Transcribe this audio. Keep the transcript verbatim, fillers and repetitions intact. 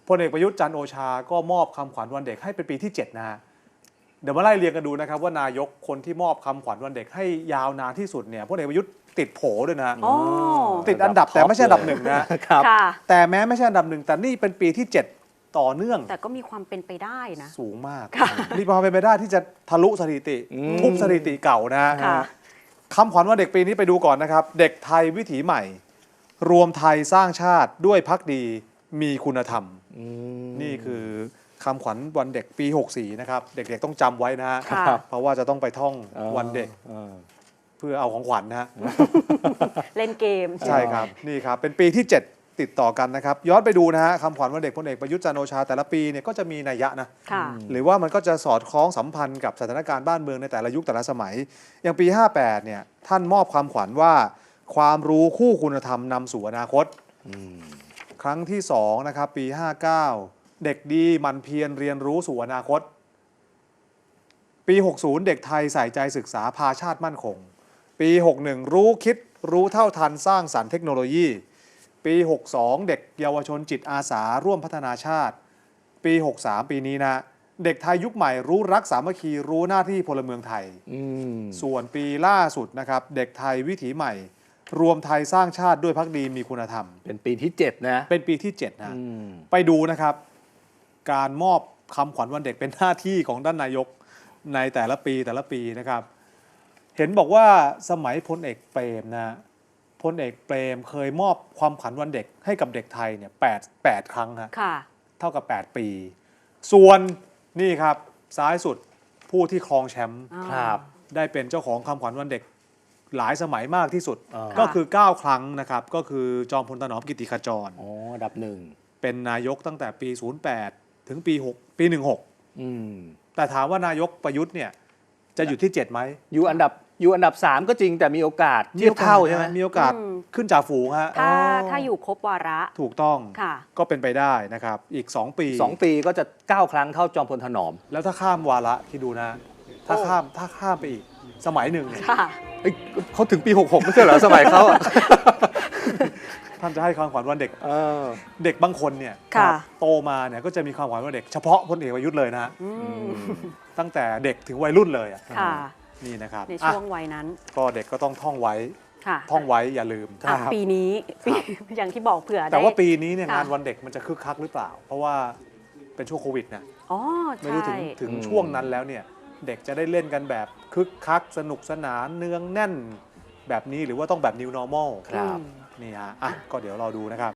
พลเอกประยุทธ์จันทร์โอชาก็มอบคำขวัญวันเด็กให้เป็นปีที่เจ็ดนะฮะเดี๋ยวมาไล่เรียงกันดูนะครับว่านายกคนที่มอบคำขวัญวันเด็กให้ยาวนานที่สุดเนี่ยพลเอกประยุทธ์ติดโผด้วยนะติดอันดับแต่ไม่ใช่อันดับหนึ่งนะครับแต่แม้ไม่ใช่อันดับหนึ่งแต่นี่เป็นปีที่เจ็ดต่อเนื่องแต่ก็มีความเป็นไปได้นะสูงมากมีความเป็นไปได้ที่จะทะลุสถิติทุบสถิติเก่านะคำขวัญวันเด็กปีนี้ไปดูก่อนนะครับเด็กไทยวิถีใหม่รวมไทยสร้างชาติด้วยภักดีมีคุณธรรมนี่คือคำขวัญวันเด็กปีหกสี่นะครับเด็กๆต้องจำไว้นะเพราะว่าจะต้องไปท่องวันเด็กเพื่อเอาของขวัญนะฮะเล่นเกมใช่ครับนี่ครับเป็นปีที่เจ็ดติดต่อกันนะครับย้อนไปดูนะฮะคำขวัญวันเด็กพลเอกประยุทธ์จันทร์โอชาแต่ละปีเนี่ยก็จะมีนัยยะนะหรือว่ามันก็จะสอดคล้องสัมพันธ์กับสถานการณ์บ้านเมืองในแต่ละยุคแต่ละสมัยอย่างปีห้าแปดเนี่ยท่านมอบคำขวัญว่าความรู้คู่คุณธรรมนำสู่อนาคตครั้งที่สองนะครับปีห้าเก้าเด็กดีมันเพียรเรียนรู้สู่อนาคตปีหกสิบเด็กไทยใส่ใจศึกษาพาชาติมั่นคงปีหกสิบเอ็ดรู้คิดรู้เท่าทันสร้างสรรค์เทคโนโลยีปีหกสิบสองเด็กเยาวชนจิตอาสาร่วมพัฒนาชาติปีหกสิบสามปีนี้นะเด็กไทยยุคใหม่รู้รักสามัคคีรู้หน้าที่พลเมืองไทยส่วนปีล่าสุดนะครับเด็กไทยวิถีใหม่รวมไทยสร้างชาติด้วยภักดีมีคุณธรรมเป็นปีที่เจ็ดนะเป็นปีที่เจ็ดนะไปดูนะครับการมอบคำขวัญวันเด็กเป็นหน้าที่ของด้านนายกในแต่ละปีแต่ละปีนะครับเห็นบอกว่าสมัยพลเอกเปรมนะพลเอกเปรมเคยมอบความขวัญวันเด็กให้กับเด็กไทยเนี่ยแปด แปดครั้งฮะเท่ากับแปดปีส่วนนี่ครับซ้ายสุดผู้ที่ครองแชมป์ครับได้เป็นเจ้าของคำขวัญวันเด็กหลายสมัยมากที่สุดก็คือเก้าครั้งนะครับก็คือจอมพลถนอมกิติขจรอ๋ออันดับหนึ่งเป็นนายกตั้งแต่ปีศูนย์แปดถึงปีหกปีสิบหกอืมแต่ถามว่านายกประยุทธ์เนี่ยจะอยู่ที่เจ็ดไหมอยู่อันดับอยู่อันดับสามก็จริงแต่มีโอกาสเทียบเท่าใช่ไหมมีโอกาสขึ้นจ่าฝูงฮะถ้าถ้าอยู่ครบวาระถูกต้องก็เป็นไปได้นะครับอีกสองปีสองปีก็จะเก้าครั้งเท่าจอมพลถนอมแล้วถ้าข้ามวาระที่ดูนะถ้าข้ามถ้าข้ามไปอีกสมัยหนึ่งเขาถึงปีหกสิบหกไม่ใช่เหรอสมัยเขาท่านจะให้ความขวัญวันเด็กเด็กบางคนเนี่ยโตมาเนี่ยก็จะมีความขวัญวันเด็กเฉพาะพลเอกประยุทธ์เลยนะตั้งแต่เด็กถึงวัยรุ่นเลยนี่นะครับในช่วงวัยนั้นก็เด็กก็ต้องท่องไว้ท่องไว้อย่าลืมปีนี้อย่างที่บอกเผื่อแต่ว่าปีนี้เนี่ยงานวันเด็กมันจะคึกคักหรือเปล่าเพราะว่าเป็นช่วงโควิดนะไม่รู้ถึงถึงช่วงนั้นแล้วเนี่ยเด็กจะได้เล่นกันแบบคึกคักสนุกสนานเนืองแน่นแบบนี้หรือว่าต้องแบบ New Normal ครับนี่ฮะอ่ะก็เดี๋ยวรอดูนะครับ